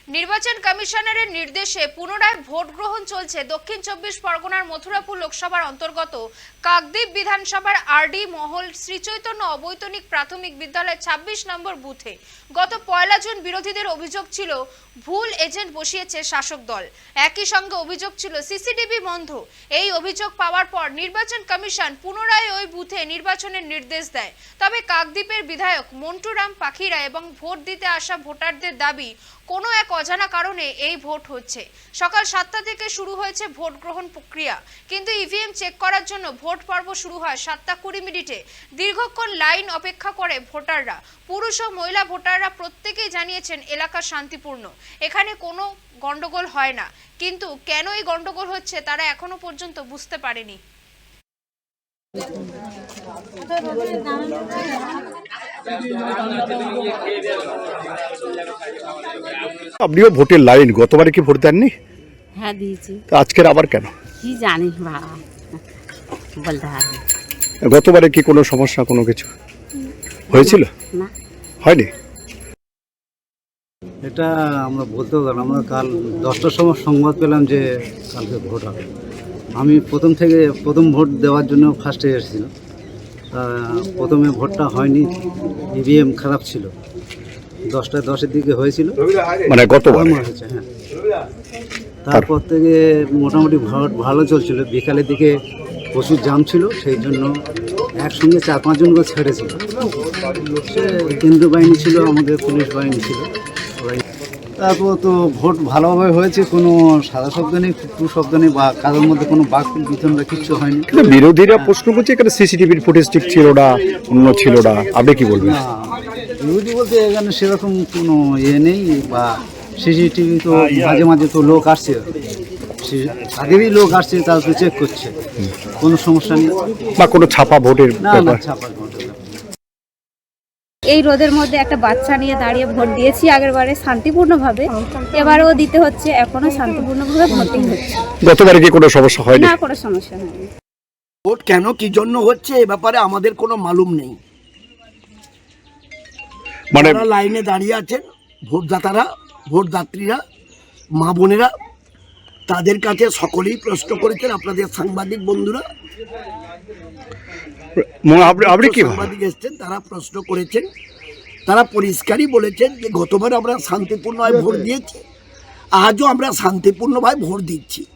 নির্বাচন কমিশনারের নির্দেশে পুনরায় ভোট গ্রহণ চলছে দক্ষিণ 24 পরগনার মথুরাপুর লোকসভার অন্তর্গত কাকদ্বীপ বিধানসভার আরডি মহল শ্রীচৈতন্য অবৈতনিক প্রাথমিক বিদ্যালয় 26 নম্বর বুথে গত 1 জুন বিরোধীদের অভিযোগ ছিল ভুল এজেন্ট বসিয়েছে শাসক দল। একই সঙ্গে অভিযোগ ছিল সিসিটিভি বন্ধ। এই অভিযোগ পাওয়ার পর নির্বাচন কমিশন পুনরায় ওই বুথে নির্বাচনের নির্দেশ দেয়। তবে কাকদ্বীপের বিধায়ক মন্টুরাম পাখিরা এবং ভোট দিতে আসা ভোটারদের দাবি কোনো এক অজানা কারণে এই ভোট হচ্ছে। সকাল 7টা থেকে শুরু হয়েছে ভোট গ্রহণ প্রক্রিয়া, কিন্তু ইভিএম চেক করার জন্য ভোট পর্ব শুরু হয় 7:20 দীর্ঘক্ষণ লাইন অপেক্ষা করে ভোটাররা। পুরুষ ও মহিলা ভোটাররা প্রত্যেকেই জানিয়েছেন এলাকা শান্তিপূর্ণ, এখানে কোনো গন্ডগোল হয় না। কিন্তু কেন এই গন্ডগোল হচ্ছে তারা এখনো পর্যন্ত বুঝতে পারেনি। আপনিও ভোটের লাইন, গতবারে কি ভোট দেননি? হ্যাঁ দিয়েছি। তো আজকের আবার কেন? কি জানি বাবা, বলতে পারবো। গতবারে কি কোনো সমস্যা কোনো কিছু হয়েছিল? না, হয়নি। এটা আমরা বলতেও গেলাম, আমরা কাল 10টার সময় সংবাদ পেলাম যে কালকে ভোট হবে। আমি প্রথম ভোট দেওয়ার জন্য ফার্স্টে এসেছিলাম। প্রথমে ভোটটা হয়নি, ইভিএম খারাপ ছিল। 10:10 দিকে হয়েছিল, মানে গতবার হয়েছে। হ্যাঁ, তারপর থেকে মোটামুটি ভোট ভালো চলছিল। বিকালের দিকে প্রচুর জাম ছিল, সেই জন্য একসঙ্গে 4-5 জন করে ছেড়েছিল। সে কেন্দ্রীয় বাহিনী ছিল, আমাদের পুলিশ বাহিনী ছিল। তারপর তো ভোট ভালোভাবে হয়েছে, কোনো সাদা শব্দ নেই, টু শব্দ নেই, বা কারোর মধ্যে কোনো বাক বিতরণ কিচ্ছু হয়নি। বিরোধীরা প্রশ্ন করছে এখানে সিসিটিভির ফুটেজ ঠিক ছিল না, অন্য ছিল না, আপনি কি বলবেন? না, বিরোধী বলতে এখানে সেরকম কোনো ইয়ে নেই, বা সিসিটিভি তো মাঝে মাঝে তো লোক আসছে, আগেরই লোক আসছে, তারা তো চেক করছে, কোনো সমস্যা নেই। বা কোনো ছাপা ভোটের না না, ব্যাপার? ছাপা ভোটের ব্যাপার। এই রোদের মধ্যে একটা বাচ্চা নিয়ে দাঁড়িয়ে ভোট দিয়েছি আগেরবারে শান্তিপূর্ণভাবে, এবারেও দিতে হচ্ছে, এখনো শান্তিপূর্ণভাবে ভোটিং হচ্ছে। গতবারে কি কোনো সমস্যা হয়নি? না, কোনো সমস্যা হয়নি। ভোট কেন কি জন্য হচ্ছে এ ব্যাপারে আমাদের কোনো মালুম নেই। মানে যারা লাইনে দাঁড়িয়ে আছেন ভোটদাতারা, ভোটদাত্রীরা, মা বোনেরা, তাদের কাছে সকলেই প্রশ্ন করেছেন। আপনাদের সাংবাদিক বন্ধুরা, আপনি কি সাংবাদিক এসছেন, তারা প্রশ্ন করেছেন। তারা পরিষ্কারই বলেছেন যে গতবার আমরা শান্তিপূর্ণভাবে ভোট দিয়েছি, আজও আমরা শান্তিপূর্ণভাবে ভোট দিচ্ছি।